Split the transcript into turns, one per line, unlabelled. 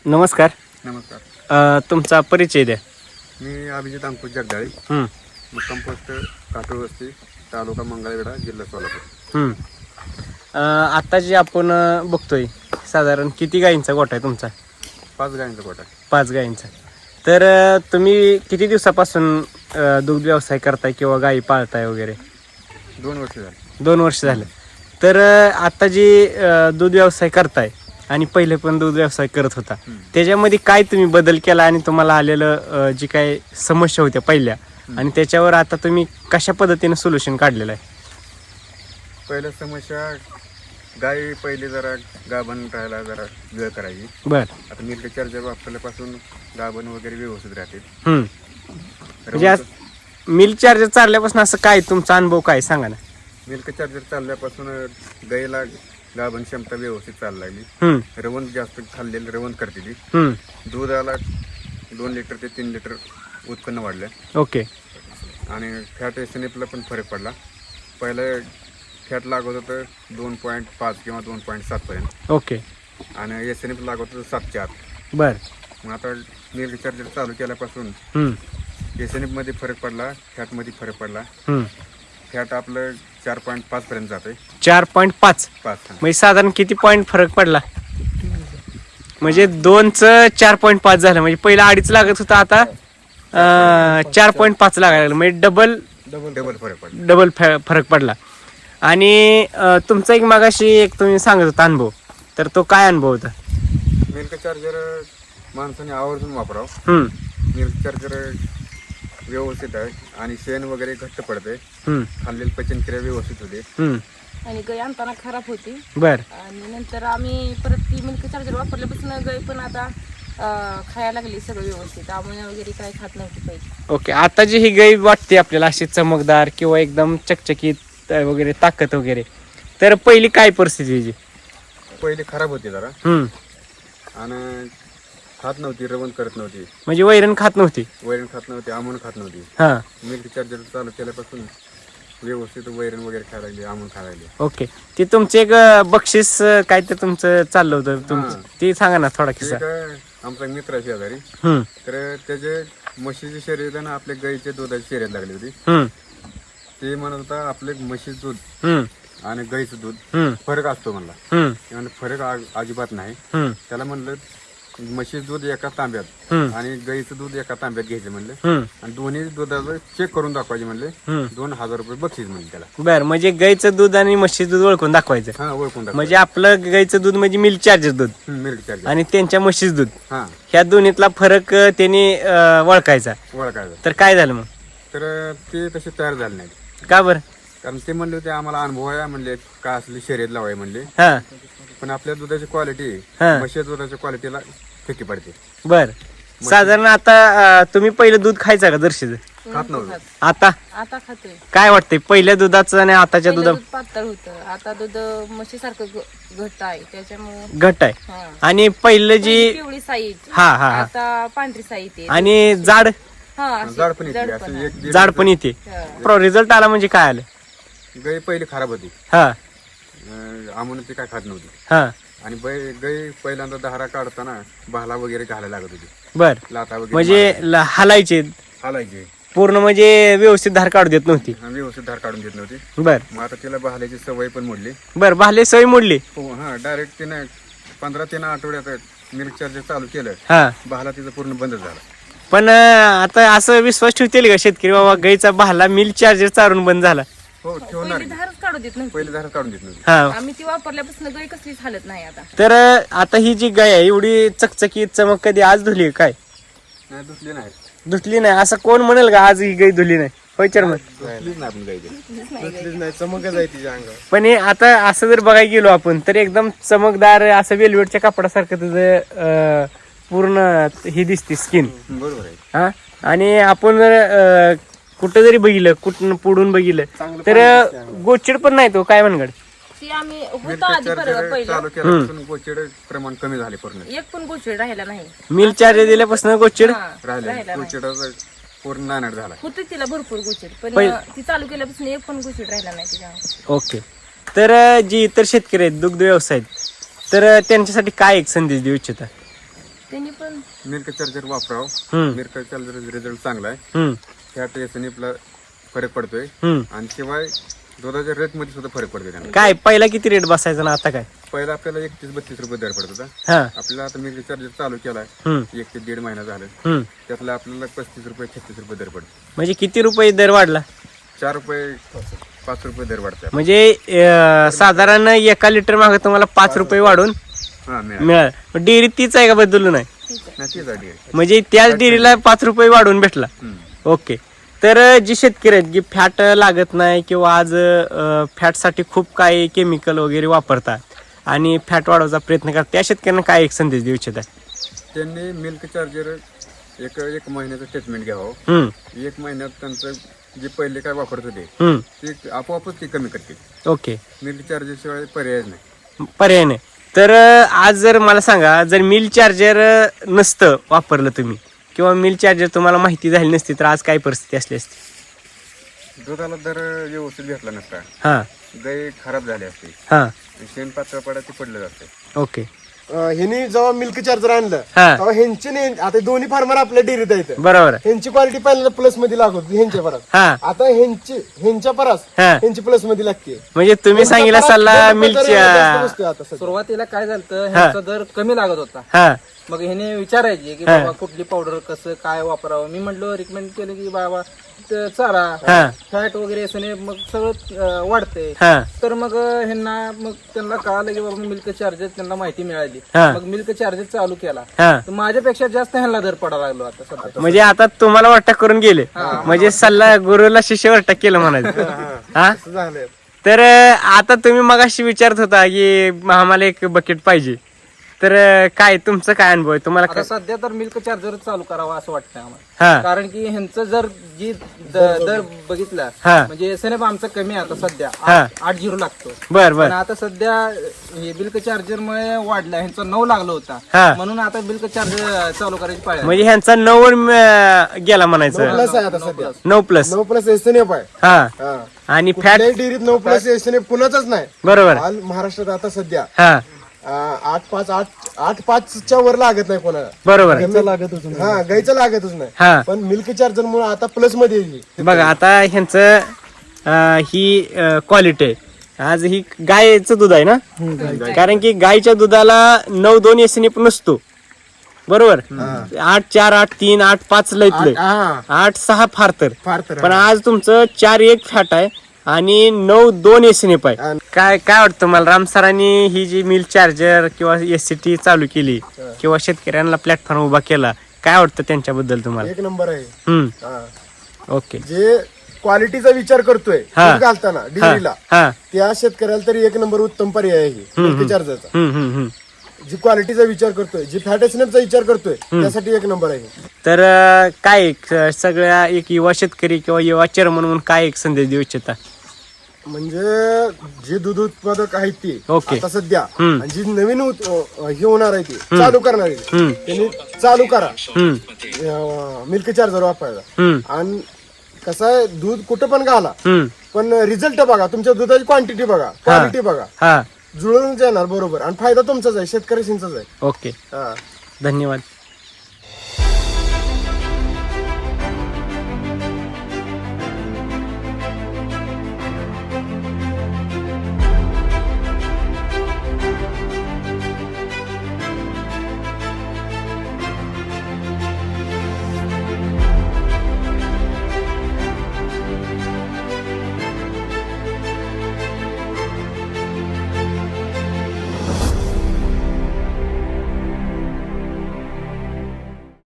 नमस्कार.
नमस्कार.
तुमचा परिचय द्या.
मी अभिजित अंकुश जगदाळे, मुक्काम पोस्ट काटोळ वस्ती, तालुका मंगळवेढा, जिल्हा सोलापूर.
आता जे आपण बघतोय साधारण किती गायींचा गोठा आहे तुमचा?
5 गायींचा गोठा.
5 गायींचा. तर तुम्ही किती दिवसापासून दुग्ध व्यवसाय करताय किंवा गायी पाळताय वगैरे?
2 वर्ष झाली.
2 वर्ष झाले. तर आता जी दूध व्यवसाय करताय आणि पहिले पण दूध व्यवसाय करत होता, त्याच्यामध्ये काय तुम्ही बदल केला आणि तुम्हाला आलेलं जी काय समस्या होत्या पहिल्या आणि त्याच्यावर आता तुम्ही कशा पद्धतीने सोल्युशन काढलेलं आहे?
पहिल्या समस्या गाय पहिले जरा गाभण राहायला जरा वेळ करायची.
बर.
आता मिल्क चार्जर वापरल्यापासून गाभण वगैरे व्यवस्थित राहते.
म्हणजे मिल्क चार्जर चालल्यापासून असं काय तुमचा अनुभव काय सांगा ना?
मिल्क चार्जर चालल्यापासून गायला गाभण क्षमता व्यवस्थित चालू लागली. रवंत जास्त खाल्लेलं रवंत करते ती. दुधाला 2 लिटर ते 3 लिटर उत्पन्न वाढलं.
ओके.
आणि फॅट एसएनएफला पण फरक पडला. पहिलं फॅट लागत होतं 2.5 किंवा 2.7 पर्यंत.
ओके.
आणि एसएनएफ लागत होतं 7 च्या आत.
बर.
मग आता मिल्क चार्जर चालू केल्यापासून एसएनएफ मध्ये फरक पडला, फॅट मध्ये फरक पडला. फॅट आपलं 4.5 पर्यंत जाते.
4.5 म्हणजे साधारण किती पॉईंट फरक पडला? म्हणजे 2चं 4.5 झालं. म्हणजे पहिला 2.5 लागत होता, आता 4.5 लागायला लागलं. म्हणजे डबल
फरक पडला.
डबल फरक पडला. आणि तुमचा एक मागाशी एक तुम्ही सांगत होता अनुभव, तर तो काय अनुभव होता?
मिल्क चार्जर माणसाने आवर्जून वापरावं. मिल्क चार्जर व्यवस्थित आहे आणि शेण वगैरे घट्ट पडते. खाल्लेली पचनक्रिया व्यवस्थित होते.
आणि गाय आणताना खराब होती.
बर.
आणि नंतर आम्ही परत ती मिल्क चार्जर वापरल्यापासून गाय पण आता खायला लागली सगळं व्यवस्थित. आमोनिया वगैरे काय खात नव्हती पहिले.
ओके. आता जी ही गाय वाटते आपल्याला अशी चमकदार किंवा एकदम चकचकीत वगैरे ताकद वगैरे, तर पहिली काय परिस्थिती होती?
पहिली खराब होती जरा. आणि खात नव्हती, रवण करत नव्हती.
म्हणजे वैरण खात नव्हती?
वैरण खात नव्हती, आमून खात नव्हती. मिल्क चार्जर चालू केल्यापासून व्यवस्थित वैरण वगैरे खायला लागली, आमून खायला लागली.
ओके. ते तुमचे एक बक्षीस काय ते तुमचं चाललं होतं तुमचं, ते सांगा ना थोडा किस्सा.
आमचा मित्र आहे शेजारी, तर त्याचे म्हशीची शर्यत आणि आपल्या गाईच्या दुधाची शर्यत लागली होती. ते म्हणत होता आपले म्हशीचं दूध आणि गाईचं दूध फरक असतो म्हणला. फरक अजिबात नाही. त्याला म्हणलं म्हशीचं दूध एका तांब्यात आणि गाईचं दूध एका तांब्यात घ्यायचं म्हणलं आणि दोन्ही दुधाचं चेक करून दाखवायचे म्हणले. 2000 रुपये बक्षीस म्हणले त्याला.
बरं. म्हणजे गाईचं दूध आणि म्हशीचं दूध ओळखून दाखवायचं.
ओळखून दाखवायचं.
म्हणजे आपलं गाईचं दूध म्हणजे मिल्क चार्जर दूध,
मिल्क चार्जर, आणि
त्यांच्या म्हशीचं दूध, ह्या दोन्हीतला फरक त्यांनी ओळखायचा. तर काय झालं मग?
तर ते तसे तयार झाले नाही.
का बरं?
कारण ते म्हणले होते आम्हाला अनुभव आहे म्हणले, का असली शर्यत लावाय म्हणले. पण आपल्या दुधाची क्वालिटी म्हशीच्या दुधाच्या क्वालिटीला फिकी पडते.
बर. साधारण आता तुम्ही पहिलं दूध खायचं का जर्शीचं?
खात नव्हतं.
आता
आता खातोय.
काय वाटतंय पहिल्या दुधाचं आणि आताच्या
पहिलं
दुधा?
दूध पातळ होतं, आता दूध म्हशीसारखं घट्ट आहे, त्याच्यामुळे
घट आहे. आणि पहिलं जी
पिवळी साई आता पांढरी साई येते.
आणि जाड
जाड पण येते, असं एक
जाड पण येते. रिझल्ट आला म्हणजे काय आलं?
गाय पहिली खराब होती. आमून ती काय खात नव्हती. आणि गाय पहिल्यांदा धारा काढताना भाला वगैरे घालायला लागत होती.
बर.
लाथा वगैरे
म्हणजे हलायचे पूर्ण, म्हणजे व्यवस्थित धार काढू देत नव्हती.
व्यवस्थित धार काढून देत नव्हती.
बर.
मग आता तिला भाल्याची सवय पण मोडली.
बर. भाले सवय मोडली.
डायरेक्ट तिने 15 आठवड्यात मिल्क चार्जर चालू केलं. भाला तिचं पूर्ण बंद झाला.
पण आता असं विश्वास ठेवतील का शेतकरी बाबा गाईचा भाला मिल्क चार्जर चालून बंद झाला?
हो, ठेवणार.
पहिली धारच काढू देत नव्हती.
पहिली धार काढून देत नव्हती.
आम्ही ती वापरल्यापासून गाय कसलीच हालत नाही आता.
तर आता ही जी गाय आहे एवढी चकचकीत चमक कधी आज धुली काय?
नाही, धुतली नाही.
धुतली नाही असं कोण म्हणेल का आज ही गाय धुली नाही? पैचर मग
धुतलीच नाही आपण गाय.
नाही, चमकच आहे तिच्या अंगावर.
पण हे आता असं जर बघायला गेलो आपण तर एकदम चमकदार असं वेलवेटच्या कापडासारखं तुझं पूर्ण ही दिसते स्किन.
बरोबर आहे.
आणि आपण जर कुठं जरी बघितलं, कुठं पुढून बघितलं तर गोचिड पण नाही तो काय म्हणगड.
ती आम्ही होतो आधी पहिलं
चालू केल्यापासून गोचिड प्रमाण कमी झाले पूर्ण.
एक पण गोष्ट राहिला नाही.
मिल्क चार्जर दिल्यापासून गोचिड
राहिले. गोचिडाचा पूर्ण नानाट झाला.
होती तिला भरपूर गोचिड, पण ती चालू केल्यापासून एक पण गोचिड राहिला नाही तिच्या.
ओके. तर जी इतर शेतकरी आहेत दुग्ध व्यवसाय तर त्यांच्यासाठी काय एक संदेश देऊ इच्छिता?
पण
मिल्क चार्जर वापरावं.
हम्म.
मिल्क चार्जर रिझल्ट चांगला आहे.
हम्म,
फॅट एसएनएफला फरक पडतोय
हम्म.
आणि शिवाय दुधाच्या रेट मध्ये सुद्धा फरक पडतोय त्यांना.
काय पहिला किती रेट बसायचा ना आता काय?
पहिला आपल्याला 31-32 रुपये दर पडत होता.
हा.
आपल्याला आता मिल्क चार्जर चालू केलाय
हम्म,
1 ते 1.5 महिना झालं.
हम्म.
त्यातला आपल्याला 35 रुपये 36 रुपये दर पडतो.
म्हणजे किती रुपये दर वाढला?
4 रुपये 5 रुपये दर वाढते.
म्हणजे साधारण एका लिटर मागे तुम्हाला 5 रुपये वाढून
हा मिळालं.
मिळाल. डेअरी तीच आहे का बदलून आहे?
नाही तीच आहे.
म्हणजे त्याच डेअरीला 5 रुपये वाढून भेटला. ओके. तर जे शेतकरी आहेत की फॅट लागत नाही किंवा आज फॅटसाठी खूप काही केमिकल वगैरे वापरतात आणि फॅट वाढवायचा प्रयत्न करतात, त्या शेतकऱ्यांना काय एक संदेश देऊ इच्छित आहे?
त्यांनी मिल्क चार्जर एक महिन्याचं ट्रीटमेंट घ्यावं.
हम्म,
1 महिन्यात त्यांचं जे पहिले काय वापरत होते
हम्म.
ते आपोआपच ते कमी करते.
ओके.
मिल्क चार्जर शिवाय पर्यायच नाही.
पर्याय नाही. तर आज जर मला सांगा, जर मिल चार्जर नसतं वापरलं तुम्ही किंवा मिल चार्जर तुम्हाला माहिती झाली नसती तर आज काय परिस्थिती असली असती?
दुधाला दर व्यवस्थित भेटला नसता.
हां,
गाय खराब झाली असते.
हां.
शेण पातळ पडा ते पडलं जातं.
ओके.
ह्यांनी जेव्हा मिल्क चार्जर आणलं
हा.
तेव्हा ह्यांची नाही, आता दोन्ही फार्मर आपल्या डेअरीत आहेत.
बरोबर आहे.
ह्यांची क्वालिटी पहिल्यांदा प्लस मध्ये लागत होती ह्यांच्या परास.
हां,
आता ह्यांच्या परास
हां.
ह्यांची प्लस मध्ये लागते.
म्हणजे तुम्ही सांगितला सल्ला मिलच्या.
आता सध्या.
सुरुवातीला काय झालं ह्याचा दर कमी लागत होता.
हां,
मग ह्याने विचारायचे की बाबा कुठली पावडर कसं काय वापरावं. मी म्हटलं रिकमेंड केलं की बाबा ते चारा
हां,
फॅट वगैरे असणे मग सगळं वाढते.
हां.
तर मग ह्यांना मग त्यांना कळालं की बाबा मिल्क चार्जर त्यांना माहिती मिळाली.
हां.
मग मिल्क चार्जर चालू केला
हां.
तर माझ्यापेक्षा जास्त ह्यांना दर पडायला लागलो आता सध्या.
म्हणजे आता तुम्हाला वाटतं करून गेले, म्हणजे सल्ला गुरुला शिष्य वाटतं केलं म्हणायचं. हा.
असं झालंय.
तर आता तुम्ही मगाशी विचारत होता की आम्हाला एक बकेट पाहिजे, तर काय तुमचं काय अनुभव आहे? तुम्हाला
आता
काय?
सध्या तर मिल्क चार्जर चालू करावा असं वाटतं आम्हाला.
हा,
कारण की ह्यांचं जर जी दर बघितला
हा.
म्हणजे एसएनएफ आमचं कमी आहे आता सध्या
हा.
8-0 लागतो.
बर
पण
बर.
आता सध्या हे बिल्क चार्जर मुळे वाढला, ह्यांचा 9 लागला होता.
हा.
म्हणून आता बिल्क चार्जर चालू करायची पाळी आली.
म्हणजे ह्यांचा 9 वर गेला म्हणायचं.
प्लस आहे आता सध्या.
9+.
9+ एसएनएफ आहे.
हा.
हा.
आणि फॅट.
कुठल्याही डेअरीत 9+ एसएनएफ कुणाचाच नाही.
बरोबर.
हाल महाराष्ट्रात आता सध्या
हा,
8.5च्या वर लागत नाही कोणाला.
बरोबर.
गाईचं लागतच नाही.
हा.
पण मिल्क चार्जर मुळे आता प्लस मध्ये येईल.
बघा आता ह्यांचं ही क्वालिटी आहे. आज ही गायचं दूध आहे ना, कारण की गायच्या दुधाला 9-2 एसएनएफ नसतो. बरोबर. 8-4, 8-3, 8-5 लयतलंय,
हा
8-6 फार तर.
फार तर
पण आज तुमचं 4-1 फॅट आहे आणि 9-2 एसएनएफ आहे. काय काय वाटतं मला, राम सरांनी ही जी मिल चार्जर किंवा एससीटी चालू केली किंवा शेतकऱ्यांना प्लॅटफॉर्म उभा केला, काय वाटतं त्यांच्याबद्दल तुम्हाला?
एक नंबर आहे.
हम्म.
हा.
ओके.
जे क्वालिटीचा विचार करतोय
हा.
दूध घालताना डेअरीला,
हा.
त्या शेतकऱ्याला तरी एक नंबर उत्तम पर्याय आहे मिल्क चार्जरचा.
हम्म.
जी क्वालिटीचा विचार करतोय, जी फॅट एसएनएफचा विचार करतोय, त्यासाठी एक नंबर आहे.
तर काय सगळ्या एक युवा शेतकरी किंवा युवा चेअरमन म्हणून काय एक संदेश देऊ इच्छिता?
म्हणजे जे दूध उत्पादक आहेत ते
ओके.
आता सध्या,
हम्म.
आणि जी नवीन हे होणार आहे ते चालू करणार आहे, त्यांनी चालू करा मिल्क चार्जर वापरायला. आणि कसं आहे, दूध कुठं पण घाला, पण रिझल्ट बघा, तुमच्या दुधाची क्वांटिटी बघा, क्वालिटी बघा,
हा.
जुळून जाणार बरोबर. आणि फायदा तुमचाच आहे, शेतकऱ्यांचाच आहे.
ओके.
हा.
धन्यवाद.